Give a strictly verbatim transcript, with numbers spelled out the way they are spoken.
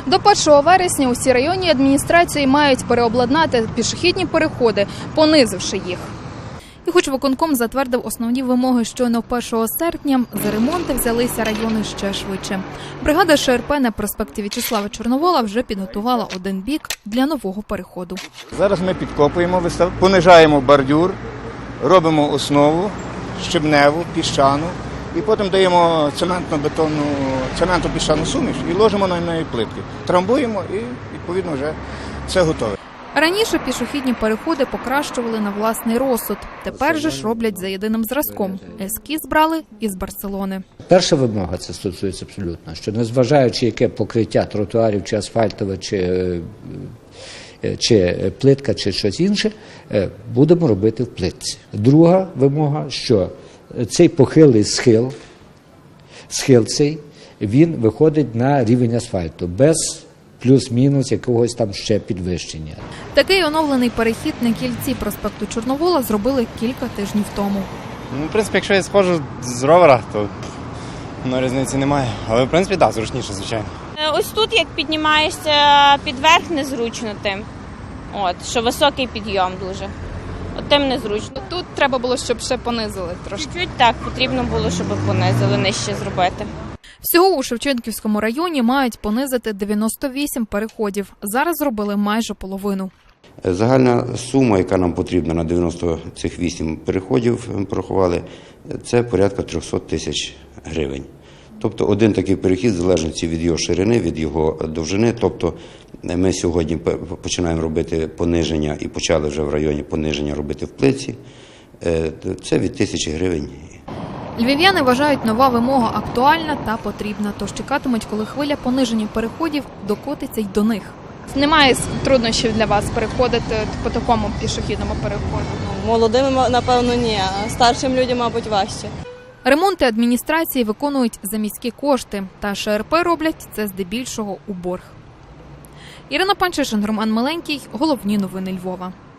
До першого вересня усі районні адміністрації мають переобладнати пішохідні переходи, понизивши їх. І хоч виконком затвердив основні вимоги щойно першого серпня, за ремонти взялися райони ще швидше. Бригада Ш Р П на проспекті В'ячеслава Чорновола вже підготувала один бік для нового переходу. Зараз ми підкопуємо, понижаємо бордюр, робимо основу щебневу, піщану і потім даємо цементно-бетонну, цементно-піщану суміш і ложимо на неї плитки. Трамбуємо і відповідно вже все готове. Раніше пішохідні переходи покращували на власний розсуд. Тепер же ж роблять за єдиним зразком. Ескіз брали із Барселони. Перша вимога, це стосується абсолютно, що незважаючи яке покриття тротуарів, чи асфальтове, чи, чи плитка, чи щось інше, будемо робити в плитці. Друга вимога, що цей похилий схил, схил цей, він виходить на рівень асфальту, без плюс-мінус якогось там ще підвищення. Такий оновлений перехід на кільці проспекту Чорновола зробили кілька тижнів тому. Ну, в принципі, якщо я сходжу з ровера, то ну, різниці немає. Але, в принципі, так, да, зручніше, звичайно. Ось тут, як піднімаєшся підверх, незручно тим. От, що високий підйом дуже. От тим незручно. Тут треба було, щоб ще понизили трошки. Чуть-чуть так, потрібно було, щоб понизили, нижче зробити. Всього у Шевченківському районі мають понизити дев'яносто вісім переходів. Зараз зробили майже половину. Загальна сума, яка нам потрібна на дев'яносто цих вісім переходів, ми порахували, це порядка триста тисяч гривень. Тобто один такий перехід залежить від його ширини, від його довжини. Тобто ми сьогодні починаємо робити пониження і почали вже в районі пониження робити в плитці. Це від тисячі гривень. Львів'яни вважають, нова вимога актуальна та потрібна, тож чекатимуть, коли хвиля пониження переходів докотиться й до них. Немає труднощів для вас переходити по такому пішохідному переходу? Молодим, напевно, ні, а старшим людям, мабуть, важче. Ремонти адміністрації виконують за міські кошти, та Ш Р П роблять це здебільшого у борг. Ірина Панчишин, Роман Миленький. Головні новини Львова.